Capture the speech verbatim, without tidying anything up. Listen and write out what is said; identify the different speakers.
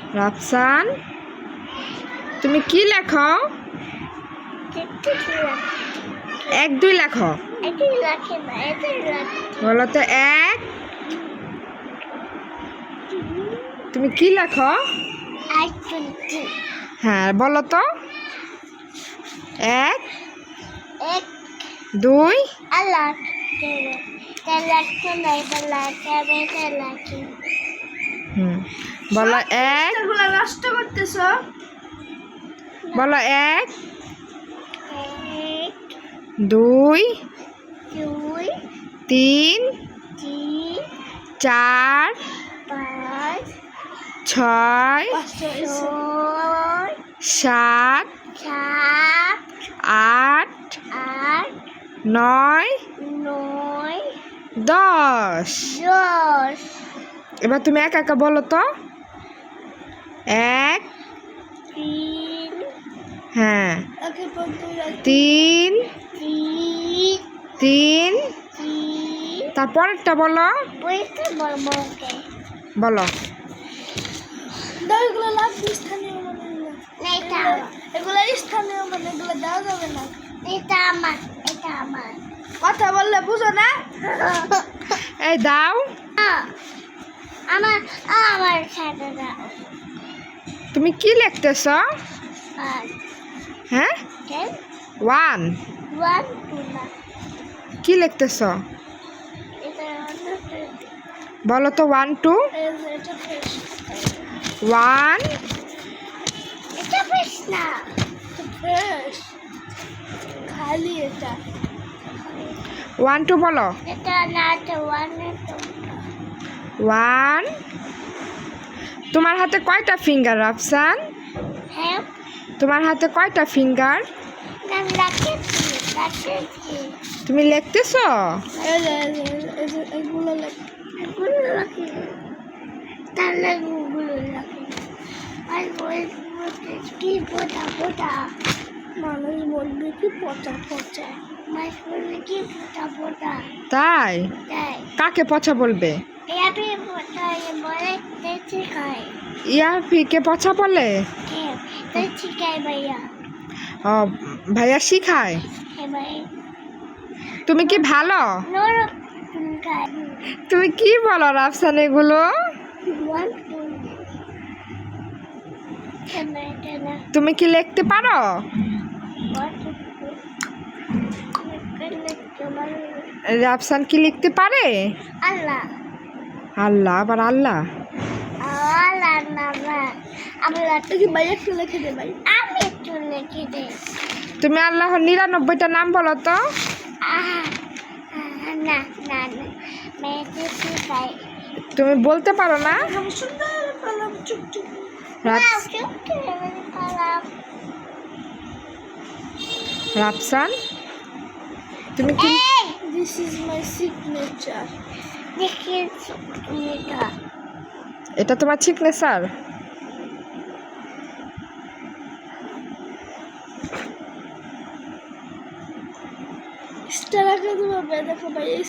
Speaker 1: রাফসান, তুমি কি লেখো? এক দুই লেখো। বলো তো এক। তুমি কি লেখো? হ্যাঁ বলো তো। এক দুই হুম বলো এক।
Speaker 2: নষ্ট করতেছ।
Speaker 1: বলো এক দুই তিন চার ছয় সাত আট নয় দশ। এবার তুমি একা একা বলো তো। এক হ্যাঁ তিন তিন তারপরেরটা বলো। বলো
Speaker 2: এগুলো লাগবে স্থানীয় মানে এগুলো স্থানীয় মানে এগুলো দেওয়া যাবে না। এটা আমার এটা আমার কথা বললে বুঝো না।
Speaker 1: এই দাও
Speaker 2: আমার আমার সাথে দাও।
Speaker 1: তুমি কি লিখতেছ? হ্যাঁ ওয়ান
Speaker 2: ওয়ান টু না
Speaker 1: কি লিখতেছ?
Speaker 2: এটা
Speaker 1: বলো তো ওয়ান টু।
Speaker 2: এটা ফ্রেশ
Speaker 1: ওয়ান
Speaker 2: এটা ফ্রেশ না ফ্রেশ খালি এটা
Speaker 1: ওয়ান টু বলো।
Speaker 2: এটা না এটা ওয়ান
Speaker 1: ওয়ান। তোমার হাতে কয়টা ফিঙ্গার রাফসান?
Speaker 2: হ্যাঁ
Speaker 1: তোমার হাতে কয়টা ফিঙ্গার?
Speaker 2: না লাকেছি লাকেছি
Speaker 1: তুমি লিখতেছ?
Speaker 2: এগুলো এগুলো রাখি তাহলে গুলো রাখি আর বলতে কি পোটা পোটা মানুষ বলবে কি পচা পচা মানুষ বলবে কি পোটা পোটা
Speaker 1: তাই
Speaker 2: তাই
Speaker 1: কাকে পচা বলবে?
Speaker 2: ইয়াপি পোটা বলে তেছি খায়
Speaker 1: ইয়াফিকে পচা বলে?
Speaker 2: হ্যাঁ তেছি খায় ভাইয়া।
Speaker 1: ও ভাইয়া শিখায়।
Speaker 2: হ্যাঁ ভাই
Speaker 1: তুমি কি ভালো?
Speaker 2: নোর খায়
Speaker 1: তুমি কি বলো রাফসান এগুলো?
Speaker 2: ওয়ান টু কেনা কেনা
Speaker 1: তুমি কি লিখতে পারো? রাফসান কি লিখতে পারে?
Speaker 2: আল্লাহ
Speaker 1: আল্লাহ আবার আল্লাহ
Speaker 2: আল্লাহ না আমি কি ভাই একটু লিখে দে ভাই আমি একটু লিখে দে।
Speaker 1: তুমি আল্লাহর নিরানব্বইটা নাম বলো তো।
Speaker 2: না না না মেয়েকে শিখাই
Speaker 1: তুমি বলতে পারো না?
Speaker 2: সুন্দর কলম চুপ চুপ
Speaker 1: রাফস-
Speaker 2: চুপ কলম
Speaker 1: রাফসান তুমি কি
Speaker 2: দিস ইজ মাই সিগনেচার দেখিয়ে এটা
Speaker 1: এটা তোমার সিগনেচার?
Speaker 2: স্টার আগে দেবো দেখো ভাই।